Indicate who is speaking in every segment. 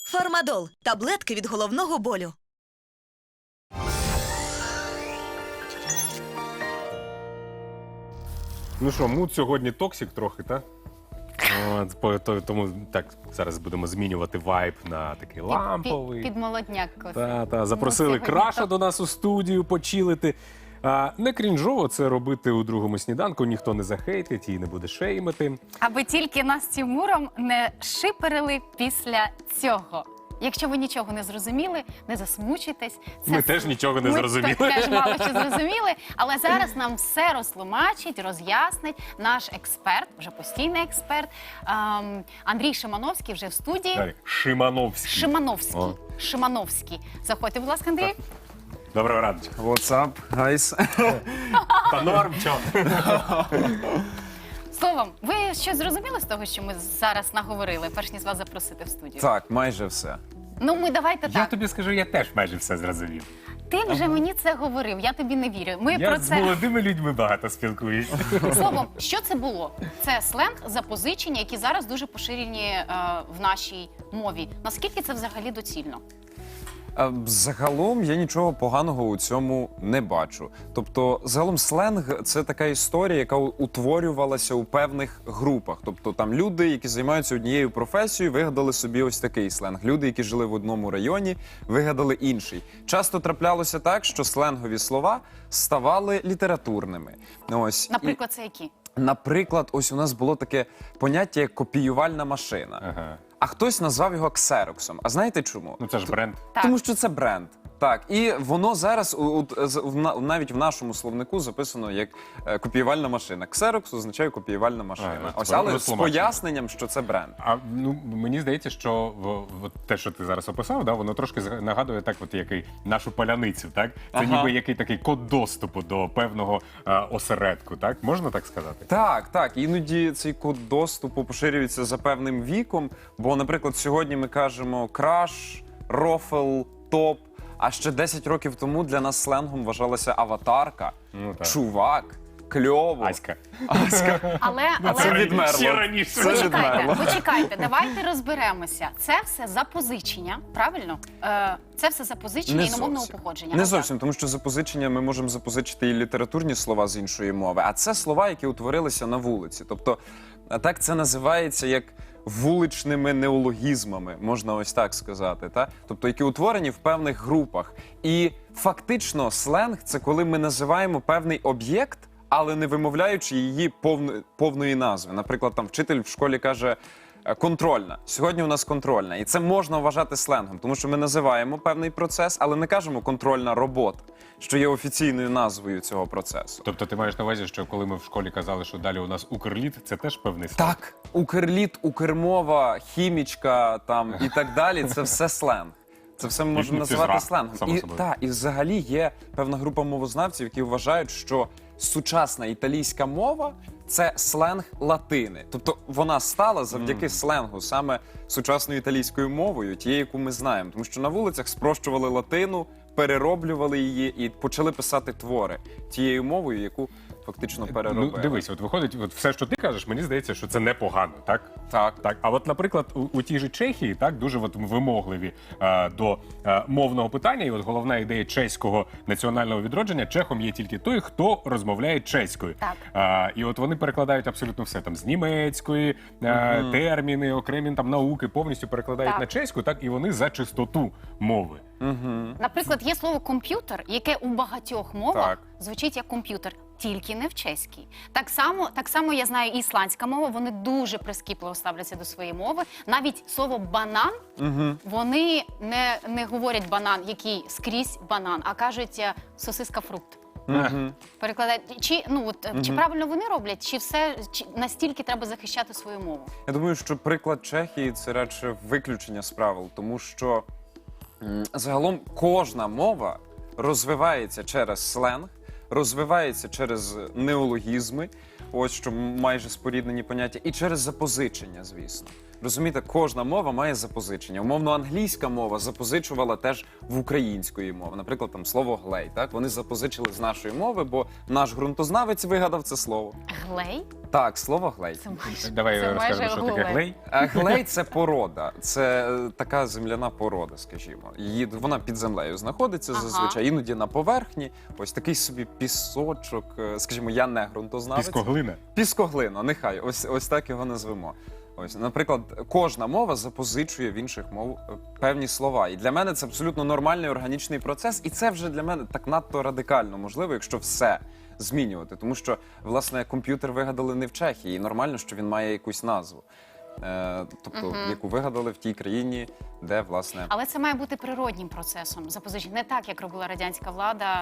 Speaker 1: Фармадол – таблетки від головного болю.
Speaker 2: Ну що, мут сьогодні токсик трохи, так? Тому так, зараз будемо змінювати вайб на такий ламповий.
Speaker 3: Під молодняк.
Speaker 2: Запросили Краша до нас у студію почилити. Не крінжово це робити у другому сніданку, ніхто не захейтить і не буде шеймити.
Speaker 3: Аби тільки нас з Тимуром не шиперили після цього. Якщо ви нічого не зрозуміли, не засмучуйтесь.
Speaker 2: Ми теж нічого не зрозуміли.
Speaker 3: Ми теж мало що зрозуміли, але зараз нам все розтлумачить, роз'яснить наш експерт, вже постійний експерт, Андрій Шимановський вже в студії.
Speaker 2: Шимановський.
Speaker 3: Шимановський. Заходьте, будь ласка, Андрій.
Speaker 2: Доброго ранку.
Speaker 4: What's up, guys?
Speaker 2: Та норм, чо?
Speaker 3: Словом, ви щось зрозуміли з того, що ми зараз наговорили, перш ніж вас запросити в студію?
Speaker 4: Так, майже все.
Speaker 3: Ну, ми давайте
Speaker 2: Я
Speaker 3: так.
Speaker 2: тобі скажу, я теж майже все зрозумів.
Speaker 3: Ти вже мені це говорив, я тобі не вірю. Ми
Speaker 2: Я
Speaker 3: про
Speaker 2: з
Speaker 3: це...
Speaker 2: молодими людьми багато спілкуюсь.
Speaker 3: Словом, що це було? Це сленг, запозичення, які зараз дуже поширені в нашій мові. Наскільки це взагалі доцільно?
Speaker 4: Загалом я нічого поганого у цьому не бачу. Тобто, загалом сленг – це така історія, яка утворювалася у певних групах. Тобто там люди, які займаються однією професією, вигадали собі ось такий сленг. Люди, які жили в одному районі, вигадали інший. Часто траплялося так, що сленгові слова ставали літературними. Ось.
Speaker 3: Наприклад, це які?
Speaker 4: Наприклад, ось у нас було таке поняття, як копіювальна машина.
Speaker 2: Ага.
Speaker 4: А хтось назвав його ксероксом. А знаєте чому?
Speaker 2: Ну це ж бренд.
Speaker 3: Так.
Speaker 4: Тому що це бренд. Так, і воно зараз навіть в нашому словнику записано як копіювальна машина. Ксерокс означає копіювальна машина. Ось, але з поясненням, що це бренд.
Speaker 2: Мені здається, що те, що ти зараз описав, воно трошки нагадує так, нашу паляницю, так? Це ніби який такий код доступу до певного осередку, так? Можна так сказати?
Speaker 4: Так. Іноді цей код доступу поширюється за певним віком, бо, наприклад, сьогодні ми кажемо краш, рофл, топ, а ще 10 років тому для нас сленгом вважалася аватарка, чувак, кльово.
Speaker 2: Аська.
Speaker 3: Але
Speaker 4: Це відмерло.
Speaker 2: Ще раніше.
Speaker 4: Це відмерло.
Speaker 3: Почекайте, давайте розберемося. Це все запозичення, правильно? Це все запозичення іномовного походження.
Speaker 4: Не зовсім, тому що запозичення ми можемо запозичити і літературні слова з іншої мови, а це слова, які утворилися на вулиці. Тобто, так це називається як вуличними неологізмами, можна ось так сказати, та? Тобто, які утворені в певних групах. І фактично сленг – це коли ми називаємо певний об'єкт, але не вимовляючи її повної назви. Наприклад, там вчитель в школі каже «контрольна». Сьогодні у нас контрольна. І це можна вважати сленгом, тому що ми називаємо певний процес, але не кажемо «контрольна робота», що є офіційною назвою цього процесу.
Speaker 2: Тобто ти маєш на увазі, що коли ми в школі казали, що далі у нас Укрліт, це теж певний сленг?
Speaker 4: Так, Укрліт, Укрмова, хімічка там і так далі – це все сленг. Це все ми можемо називати сленгом. І взагалі є певна група мовознавців, які вважають, що сучасна італійська мова – це сленг латини. Тобто вона стала завдяки сленгу саме сучасною італійською мовою, тією, яку ми знаємо. Тому що на вулицях спрощували латину, перероблювали її і почали писати твори тією мовою, яку фактично переробили.
Speaker 2: Ну, дивись, от виходить, все, що ти кажеш, мені здається, що це непогано, так?
Speaker 4: Так.
Speaker 2: А от, наприклад, у тій же Чехії, так, дуже вимогливі до мовного питання, і от головна ідея чеського національного відродження, чехом є тільки той, хто розмовляє чеською.
Speaker 3: Так.
Speaker 2: І от вони перекладають абсолютно все, там, з німецької, терміни, окремі там науки, повністю перекладають на чеську, так, і вони за чистоту мови.
Speaker 3: Наприклад, є слово «комп'ютер», яке у багатьох мовах звучить як «комп'ютер», тільки не в чеській. Так само я знаю і ісландська мова, вони дуже прискіпливо ставляться до своєї мови. Навіть слово «банан», вони не говорять «банан», який скрізь банан, а кажуть «сосиска-фрукт». Перекладають. Чи правильно вони роблять, чи настільки треба захищати свою мову?
Speaker 4: Я думаю, що приклад Чехії – це радше виключення з правил, тому що загалом кожна мова розвивається через сленг, розвивається через неологізми, ось що майже споріднені поняття, і через запозичення, звісно. Розумієте, кожна мова має запозичення. Умовно, англійська мова запозичувала теж в української мови. Наприклад, там слово глей. Так, вони запозичили з нашої мови, бо наш ґрунтознавець вигадав це слово.
Speaker 3: Глей?
Speaker 4: Так, слово глей.
Speaker 3: Це майже,
Speaker 2: Давай
Speaker 3: це
Speaker 2: розкажемо,
Speaker 3: майже
Speaker 2: що таке глей.
Speaker 4: Глей це порода, це така земляна порода, скажімо. Вона під землею знаходиться зазвичай, іноді на поверхні. Ось такий собі пісочок, скажімо, я не ґрунтознавець.
Speaker 2: Піскоглина.
Speaker 4: Піскоглина, нехай, ось так його назвемо. Ось, наприклад, кожна мова запозичує в інших мов певні слова. І для мене це абсолютно нормальний органічний процес, і це вже для мене так надто радикально можливо, якщо все змінювати. Тому що, власне, комп'ютер вигадали не в Чехії, і нормально, що він має якусь назву. Тобто, яку вигадали в тій країні, де, власне...
Speaker 3: Але це має бути природнім процесом запозичення. Не так, як робила радянська влада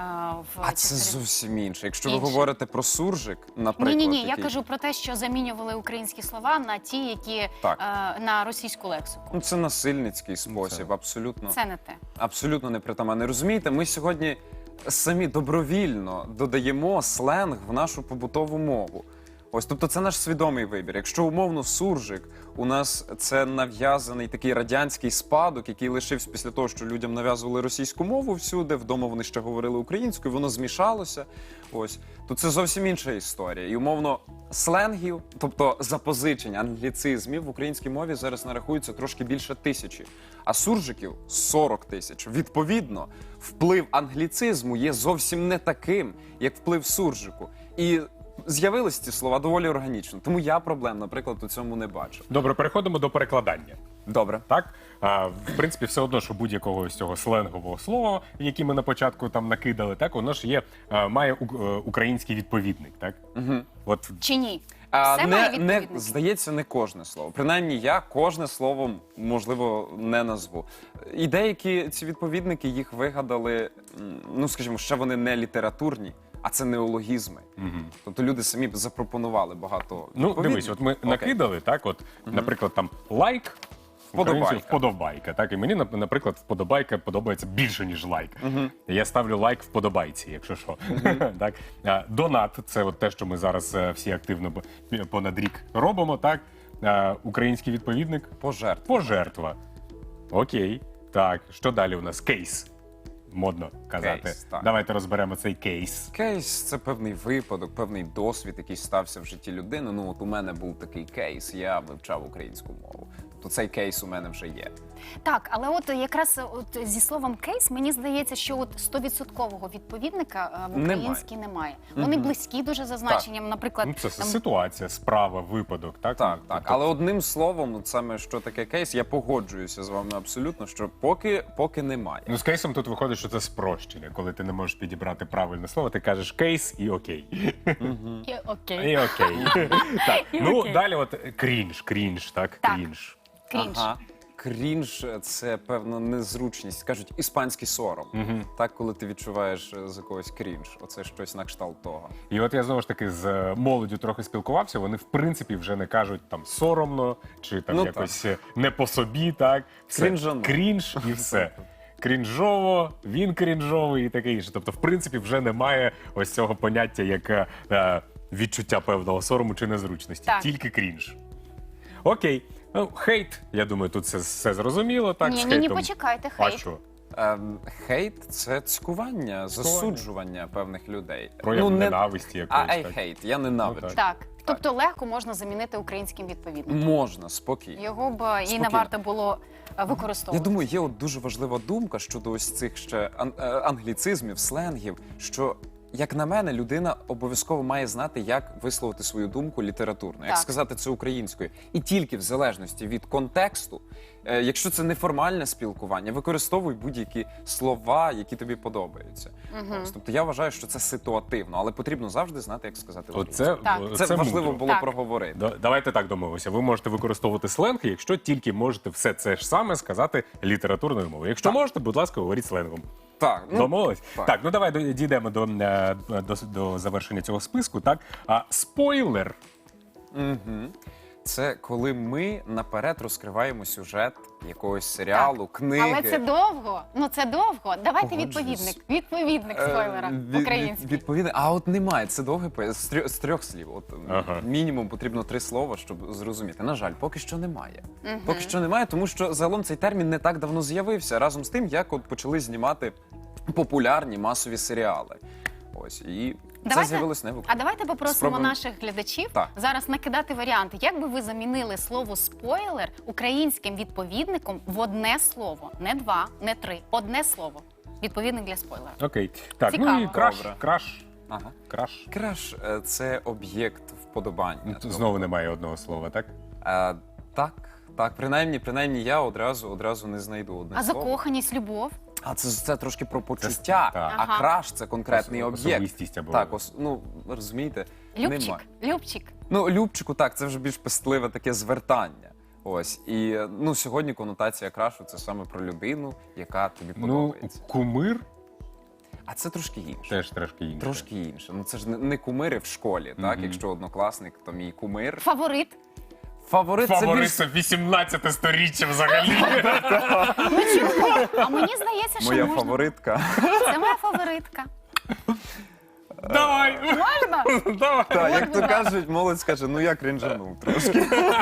Speaker 3: в
Speaker 4: А це
Speaker 3: цих
Speaker 4: зовсім інше. Якщо ви
Speaker 3: Інше.
Speaker 4: говорите про суржик, наприклад...
Speaker 3: Ні, я
Speaker 4: який-
Speaker 3: кажу про те, що замінювали українські слова на ті, які
Speaker 4: Так.
Speaker 3: на російську лексику.
Speaker 4: Ну, це насильницький спосіб, абсолютно.
Speaker 3: Це не те.
Speaker 4: Абсолютно непритаманне. Розумієте, ми сьогодні самі добровільно додаємо сленг в нашу побутову мову. Ось, тобто це наш свідомий вибір. Якщо умовно суржик у нас це нав'язаний такий радянський спадок, який лишився після того, що людям нав'язували російську мову всюди, вдома вони ще говорили українською, воно змішалося. Ось, то це зовсім інша історія. І умовно сленгів, тобто запозичень, англіцизмів в українській мові зараз нарахується трошки більше 1000, а суржиків 40 000. Відповідно, вплив англіцизму є зовсім не таким, як вплив суржику. І з'явились ці слова доволі органічно. Тому я проблем, наприклад, у цьому не бачу.
Speaker 2: Добре, переходимо до перекладання.
Speaker 4: Добре.
Speaker 2: Так, в принципі, все одно, що будь-якого з цього сленгового слова, яке ми на початку там накидали, так воно ж є, має український відповідник, так? От
Speaker 3: Чи ні? Все має відповідники.
Speaker 4: Здається, не кожне слово. Принаймні, я кожне слово, можливо, не назву. І деякі ці відповідники їх вигадали, ну, скажімо, ще вони не літературні, а це неологізми. Тобто люди самі б запропонували багато
Speaker 2: ну,
Speaker 4: відповідників.
Speaker 2: дивись, от ми
Speaker 4: Окей.
Speaker 2: накидали, так, от, наприклад, там лайк.
Speaker 4: Вподобайка.
Speaker 2: Вподобайка. Так, і мені, наприклад, вподобайка подобається більше, ніж лайк. Я ставлю лайк вподобайці, якщо що. Так. Донат це от те, що ми зараз всі активно понад рік робимо. Так. Український відповідник пожертва. Окей. Так, що далі у нас? Кейс. Модно казати.
Speaker 4: Кейс, так.
Speaker 2: Давайте розберемо цей кейс.
Speaker 4: Кейс – це певний випадок, певний досвід, який стався в житті людини. Ну, от у мене був такий кейс, я вивчав українську мову. Тобто цей кейс у мене вже є.
Speaker 3: Так, але от якраз от зі словом кейс, мені здається, що от 100% відповідника в українській немає. Вони близькі дуже за значенням, наприклад,
Speaker 2: Ну, це
Speaker 3: там,
Speaker 2: ситуація, справа, випадок. Так,
Speaker 4: Так,
Speaker 2: Ну,
Speaker 4: так.
Speaker 2: тобто-
Speaker 4: Але одним словом, от саме що таке кейс, я погоджуюся з вами абсолютно, що поки немає.
Speaker 2: Ну, з кейсом тут виходить, що це спрощення. Коли ти не можеш підібрати правильне слово, ти кажеш кейс і окей.
Speaker 3: і окей.
Speaker 2: І окей. Так,
Speaker 3: І
Speaker 2: ну
Speaker 3: окей.
Speaker 2: далі от крінж, так?
Speaker 3: Так.
Speaker 2: Крінж.
Speaker 3: Крінж.
Speaker 4: Ага. Крінж – це певна незручність. Кажуть, іспанський сором. Так, коли ти відчуваєш з якогось крінж. Оце щось на кшталт того.
Speaker 2: І от я знову ж таки з молоддю трохи спілкувався, вони в принципі вже не кажуть там соромно чи там
Speaker 4: Ну,
Speaker 2: якось не по собі, так? Все.
Speaker 4: Крінжано.
Speaker 2: Крінж і все. Крінжово, він крінжовий і таке інше. Тобто, в принципі, вже немає ось цього поняття як відчуття певного сорому чи незручності.
Speaker 3: Так.
Speaker 2: Тільки крінж. Окей. Ну, хейт, я думаю, тут все зрозуміло. Так, з
Speaker 3: Ні,
Speaker 2: хейтом.
Speaker 3: почекайте,
Speaker 2: А
Speaker 3: хейт.
Speaker 2: що?
Speaker 4: Хейт – це цькування, засуджування певних людей.
Speaker 2: Прояв ненависті якоїсь.
Speaker 4: I
Speaker 2: так.
Speaker 4: hate, я ненавиджу.
Speaker 2: Ну,
Speaker 3: Так, тобто легко можна замінити українським відповідником.
Speaker 4: Можна, спокійно.
Speaker 3: Його б і не
Speaker 4: Спокійно.
Speaker 3: варто було
Speaker 4: Я
Speaker 3: використовувати.
Speaker 4: думаю, є от дуже важлива думка щодо ось цих ще англіцизмів, сленгів, що, як на мене, людина обов'язково має знати, як висловити свою думку літературно, як
Speaker 3: Так.
Speaker 4: сказати це українською. І тільки в залежності від контексту, якщо це неформальне спілкування, використовуй будь-які слова, які тобі подобаються. Ось, тобто я вважаю, що це ситуативно, але потрібно завжди знати, як сказати українською.
Speaker 2: Оце,
Speaker 3: Так.
Speaker 4: Це важливо
Speaker 2: мудро.
Speaker 4: було
Speaker 3: Так.
Speaker 4: проговорити.
Speaker 2: Давайте так домовимося. Ви можете використовувати сленг, якщо тільки можете все це ж саме сказати літературною мовою. Якщо можете, будь ласка, говоріть сленгом.
Speaker 4: Так,
Speaker 2: Домовились?
Speaker 4: так.
Speaker 2: Так, ну давай дійдемо до завершення цього списку. Так, спойлер.
Speaker 4: Це коли ми наперед розкриваємо сюжет якогось серіалу, книги.
Speaker 3: Але це довго. Ну це довго. Давайте
Speaker 4: Погоджуюсь.
Speaker 3: відповідник спойлера український.
Speaker 4: Відповідно, а от немає. Це довге з трьох слів. От
Speaker 2: Ага.
Speaker 4: мінімум потрібно 3 слова, щоб зрозуміти. На жаль, поки що немає. Поки що немає, тому що загалом цей термін не так давно з'явився. Разом з тим, як от почали знімати популярні масові серіали. Ось і це з'явилось не
Speaker 3: А давайте попросимо
Speaker 4: Спробуємо.
Speaker 3: наших глядачів
Speaker 4: Так.
Speaker 3: зараз накидати варіанти. Як би ви замінили слово спойлер українським відповідником в одне слово? Не 2, не 3. Одне слово. Відповідник для спойлера.
Speaker 2: Окей. Так, ну
Speaker 3: Цікаво.
Speaker 2: і краш,
Speaker 4: Добре.
Speaker 2: краш,
Speaker 4: Ага.
Speaker 2: краш.
Speaker 4: Краш це об'єкт вподобання.
Speaker 2: Знову немає одного слова, так?
Speaker 4: Так, принаймні я одразу не знайду одне
Speaker 3: А
Speaker 4: слово.
Speaker 3: закоханість, любов?
Speaker 4: А це трошки про почуття,
Speaker 2: так.
Speaker 4: а
Speaker 3: Ага.
Speaker 4: краш це конкретний об'єкт.
Speaker 2: Особистість або...
Speaker 4: Так, ну розумієте,
Speaker 3: Любчик?
Speaker 4: немає.
Speaker 3: Любчик.
Speaker 4: Ну, любчику, так, це вже більш пестливе таке звертання. Ось і ну сьогодні конотація крашу це саме про людину, яка тобі
Speaker 2: Ну,
Speaker 4: подобається.
Speaker 2: кумир
Speaker 4: А це трошки інше.
Speaker 2: теж трошки інше.
Speaker 4: Трошки інше. Ну це ж не кумири в школі, так? Якщо однокласник, то мій кумир.
Speaker 3: Фаворит?
Speaker 4: Фаворит це
Speaker 2: Фаворит
Speaker 4: більш
Speaker 2: це 18 сторіччя взагалі.
Speaker 3: Ну чому? А мені здається, що
Speaker 4: моя
Speaker 3: можна.
Speaker 4: фаворитка.
Speaker 3: Це моя фаворитка.
Speaker 2: Давай!
Speaker 3: Можна?
Speaker 2: Давай!
Speaker 4: Так, як то кажуть, молодь скаже, ну я крінжанув трошки.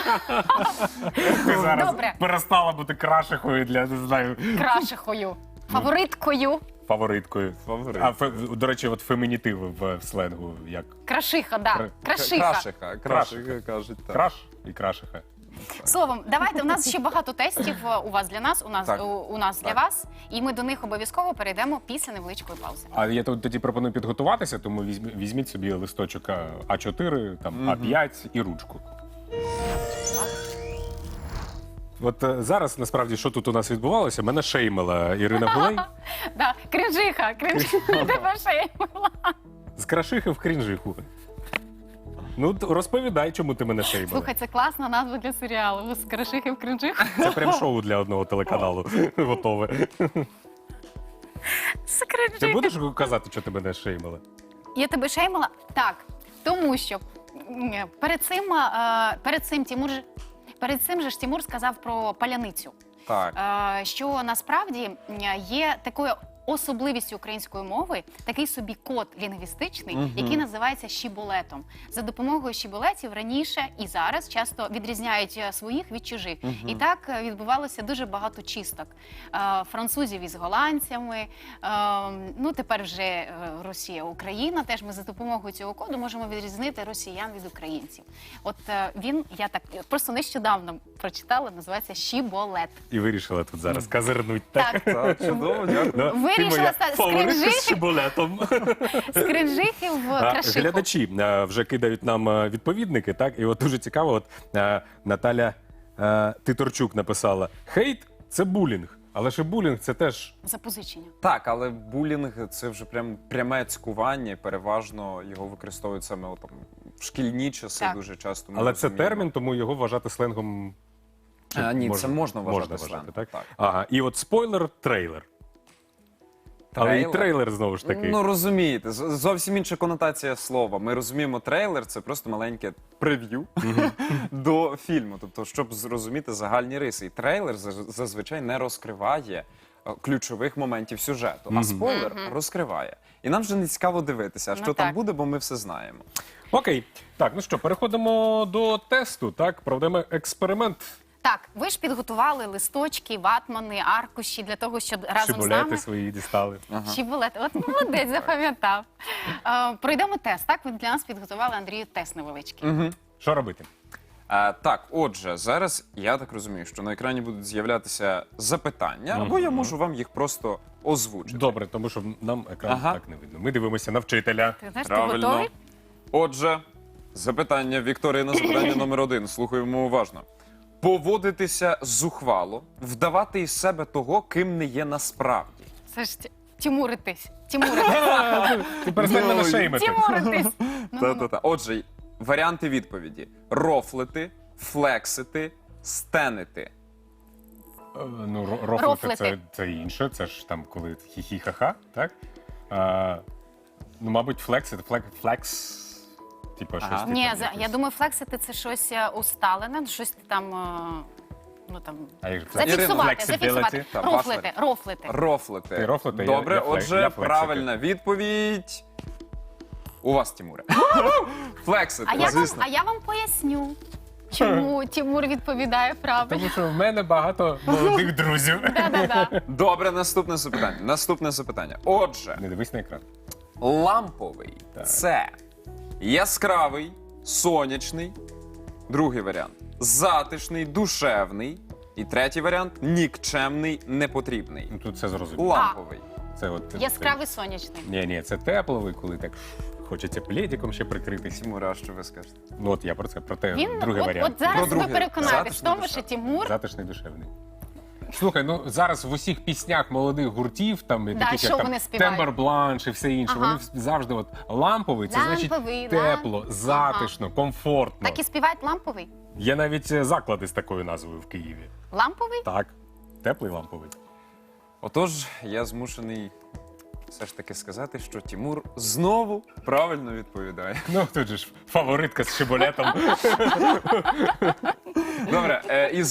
Speaker 2: Ти зараз
Speaker 3: Добре.
Speaker 2: перестала бути крашихою для, не знаю,
Speaker 3: Крашихою. Фавориткою.
Speaker 2: фавориткою.
Speaker 4: Фаворит.
Speaker 2: А, до речі, от фемінітиви в сленгу, як
Speaker 3: Крашиха, да. Крашиха.
Speaker 4: Крашиха кажуть, так.
Speaker 2: краш і крашиха.
Speaker 3: Словом, давайте, у нас ще багато тестів у вас для нас,
Speaker 4: Так.
Speaker 3: у нас для
Speaker 4: Так.
Speaker 3: вас. І ми до них обов'язково перейдемо після невеличкої паузи.
Speaker 2: А я тоді пропоную підготуватися, тому візьміть собі листочок А4, там, А5 і ручку. От зараз, насправді, що тут у нас відбувалося? Мене шеймила Ірина Гулей.
Speaker 3: Да, кринжиха, тебе шеймила.
Speaker 2: З крашихи в крінжиху. Ну, розповідай, чому ти мене шеймила.
Speaker 3: Слухай, це класна назва для серіалу. З крашихи в кринжиху.
Speaker 2: Це прям шоу для одного телеканалу. Готове.
Speaker 3: З
Speaker 2: Ти
Speaker 3: кринжихи.
Speaker 2: будеш казати, що ти мене шеймила?
Speaker 3: Я тебе шеймила? Так, тому що перед цим же ж Тимур сказав про паляницю.
Speaker 4: Так.
Speaker 3: Що насправді є такою особливістю української мови такий собі код лінгвістичний, який називається шіболетом. За допомогою шіболетів раніше і зараз часто відрізняють своїх від чужих. І так відбувалося дуже багато чисток. Французів із голландцями, ну тепер вже Росія, Україна. Теж ми за допомогою цього коду можемо відрізнити росіян від українців. От я так просто нещодавно прочитала, називається шіболет.
Speaker 2: І вирішила тут зараз казирнуть. Так.
Speaker 4: Так, чудово, дякую.
Speaker 3: Вирішила стати
Speaker 2: фаворитка з шибулетом.
Speaker 3: з кринжихи в крашиху.
Speaker 2: Глядачі вже кидають нам відповідники, так? І от дуже цікаво, от Наталя Титорчук написала: хейт – це булінг. Але ж і булінг – це теж...
Speaker 3: Запозичення.
Speaker 4: Так, але булінг це вже пряме цькування, переважно його використовують саме там в шкільні часи
Speaker 3: Так.
Speaker 4: дуже часто. ми
Speaker 2: Але це
Speaker 4: розуміємо.
Speaker 2: термін, тому його вважати сленгом... чи
Speaker 4: Ні, це можна вважати
Speaker 2: вважати,
Speaker 4: сленгом,
Speaker 2: так?
Speaker 4: так.
Speaker 2: Ага, і от спойлер – трейлер. Але і трейлер знову ж таки.
Speaker 4: Ну розумієте, зовсім інша конотація слова. Ми розуміємо, трейлер це просто маленьке прев'ю до фільму. Тобто, щоб зрозуміти загальні риси. І трейлер зазвичай не розкриває ключових моментів сюжету, а спойлер розкриває. І нам вже не цікаво дивитися, що
Speaker 3: Ну,
Speaker 4: там
Speaker 3: так.
Speaker 4: буде, бо ми все знаємо.
Speaker 2: Окей. Так, ну що, переходимо до тесту, так? Проведемо експеримент.
Speaker 3: Так, ви ж підготували листочки, ватмани, аркуші для того, щоб разом з
Speaker 2: Шибулети
Speaker 3: нами...
Speaker 2: свої дістали.
Speaker 3: Шибулети. От молодець, запам'ятав. Пройдемо тест. Так, ви для нас підготували, Андрію, тест невеличкий.
Speaker 2: Що робити?
Speaker 4: Так, отже, зараз я так розумію, що на екрані будуть з'являтися запитання, або я можу вам їх просто озвучити.
Speaker 2: Добре, тому що нам екран
Speaker 4: Ага.
Speaker 2: так не видно. Ми дивимося на вчителя.
Speaker 3: Ти знаєш, ти
Speaker 4: Правильно.
Speaker 3: готовий?
Speaker 4: Отже, запитання Вікторина, запитання номер 1. Слухаємо уважно. Поводитися зухвало, вдавати із себе того, ким не є насправді.
Speaker 3: Це ж тімуритись. Тімуритись.
Speaker 2: Ти перестань мене шеймити.
Speaker 3: Тімуритись.
Speaker 4: Та-та-та. Отже, варіанти відповіді: рофлити, флексити, стенити.
Speaker 2: Ну,
Speaker 3: Рофлити.
Speaker 2: рофлити це інше, це ж там коли хі-хі-ха-ха, так? Ну, мабуть, флекс, типу,
Speaker 4: Ага.
Speaker 2: щось
Speaker 3: Ні,
Speaker 2: типу,
Speaker 3: я думаю, флексити це щось усталене, щось там, ну там,
Speaker 2: А як же це?
Speaker 3: зафіксувати,
Speaker 2: Flexibility.
Speaker 3: зафіксувати.
Speaker 4: Та,
Speaker 3: Рофлити, рофлити.
Speaker 4: Рофлити.
Speaker 2: Ти рофлити,
Speaker 4: Добре,
Speaker 2: я
Speaker 4: отже,
Speaker 2: флексити.
Speaker 4: правильна відповідь. У вас, Тімуре. Флексити, звісно.
Speaker 3: А я вам поясню, чому Тимур відповідає правильно.
Speaker 2: Тому що в мене багато молодих друзів.
Speaker 3: Да-да-да.
Speaker 4: Добре, наступне запитання. Наступне запитання. Отже,
Speaker 2: Не дивись на екран.
Speaker 4: ламповий
Speaker 2: Так.
Speaker 4: це яскравий, сонячний. Другий варіант затишний, душевний. І третій варіант нікчемний, непотрібний.
Speaker 2: Ну тут все зрозуміло.
Speaker 4: Ламповий.
Speaker 2: Це от
Speaker 3: Яскравий сонячний.
Speaker 2: Ні, це тепловий, коли так хочеться пледиком ще прикритися.
Speaker 4: Тімура, що ви скажете?
Speaker 2: Ну от я про це, про те,
Speaker 3: Він,
Speaker 2: другий варіант.
Speaker 3: от зараз
Speaker 4: Про
Speaker 3: ви
Speaker 4: другий.
Speaker 3: переконаєтесь в
Speaker 4: Затишний,
Speaker 3: тому, що Тимур
Speaker 2: Затишний, душевний. Слухай, ну зараз в усіх піснях молодих гуртів, там
Speaker 3: Да,
Speaker 2: таких
Speaker 3: що
Speaker 2: як там
Speaker 3: вони співають?
Speaker 2: Тембер Бланш і все інше,
Speaker 3: Ага.
Speaker 2: вони завжди от ламповий, це
Speaker 3: Ламповий,
Speaker 2: значить тепло, затишно, комфортно.
Speaker 3: так і співають ламповий.
Speaker 2: Є навіть заклади з такою назвою в Києві.
Speaker 3: Ламповий?
Speaker 2: Так, теплий ламповий.
Speaker 4: Отож, я змушений все ж таки сказати, що Тімур знову правильно відповідає.
Speaker 2: Ну тут же ж фаворитка з шиболетом.
Speaker 4: Добре, і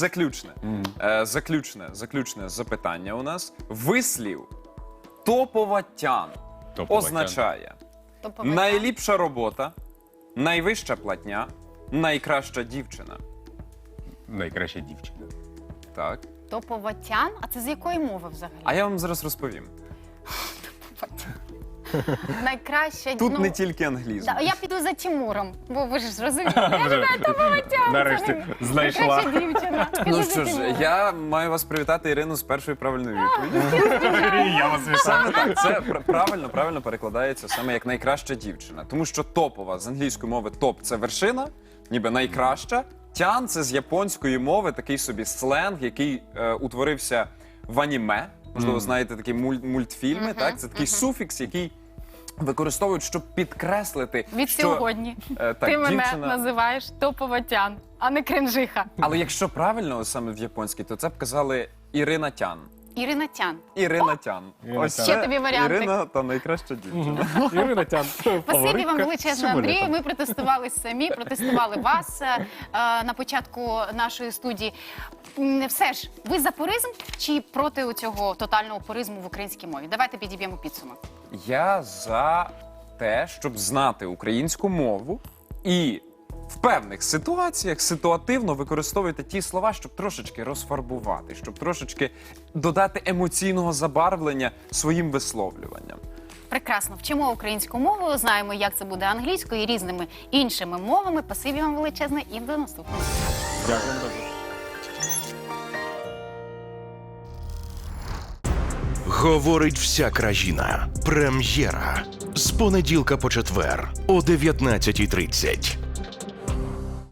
Speaker 4: заключне запитання у нас. Вислів топова тян
Speaker 2: Топова
Speaker 4: означає
Speaker 3: Топовий.
Speaker 4: найліпша робота, найвища платня, найкраща дівчина.
Speaker 2: Найкраща дівчина.
Speaker 4: Так.
Speaker 3: Топоватян? А це з якої мови взагалі?
Speaker 4: А я вам зараз розповім.
Speaker 3: Найкраще...
Speaker 4: Тут не тільки англізм.
Speaker 3: Да, я піду за Тимуром, бо ви ж зрозуміли.
Speaker 2: Нарешті знайшла.
Speaker 3: Найкраща дівчина.
Speaker 4: Ну
Speaker 3: Піду за
Speaker 4: що ж,
Speaker 3: Тимуром.
Speaker 4: я маю вас привітати, Ірину, з першою правильною відповіддю.
Speaker 2: Я вас вітаю.
Speaker 4: Саме так, це правильно перекладається саме як найкраща дівчина. Тому що топова з англійської мови топ це вершина, ніби найкраща. Тян це з японської мови такий собі сленг, який утворився в аніме. Можливо, знаєте такі мультфільми. Так, це такий суфікс, який використовують, щоб підкреслити,
Speaker 3: Від
Speaker 4: що
Speaker 3: сьогодні
Speaker 4: так,
Speaker 3: ти мене
Speaker 4: дівчина.
Speaker 3: називаєш топоватян, а не кринжиха.
Speaker 4: Але якщо правильно саме в японській, то це б казали Ірина Тян.
Speaker 3: Ірина Тян.
Speaker 4: Ірина Тян.
Speaker 2: Ірина
Speaker 4: Ось
Speaker 2: Тян.
Speaker 3: Ще
Speaker 4: це
Speaker 3: тобі варіантик.
Speaker 4: Ірина та найкраща дівчина.
Speaker 2: Ірина Тян.
Speaker 3: Спасибі вам величезне, Андрію. Ми протестували самі, протестували вас на початку нашої студії. Все ж, ви за пуризм чи проти цього тотального пуризму в українській мові? Давайте підіб'ємо підсумок.
Speaker 4: Я за те, щоб знати українську мову і в певних ситуаціях ситуативно використовувати ті слова, щоб трошечки розфарбувати, щоб трошечки додати емоційного забарвлення своїм висловлюванням.
Speaker 3: Прекрасно, вчимо українську мову, знаємо, як це буде англійською і різними іншими мовами. Спасибі вам величезне і до наступного.
Speaker 2: Дякую.
Speaker 5: Говорить вся країна. Прем'єра. З понеділка по четвер о 19:30.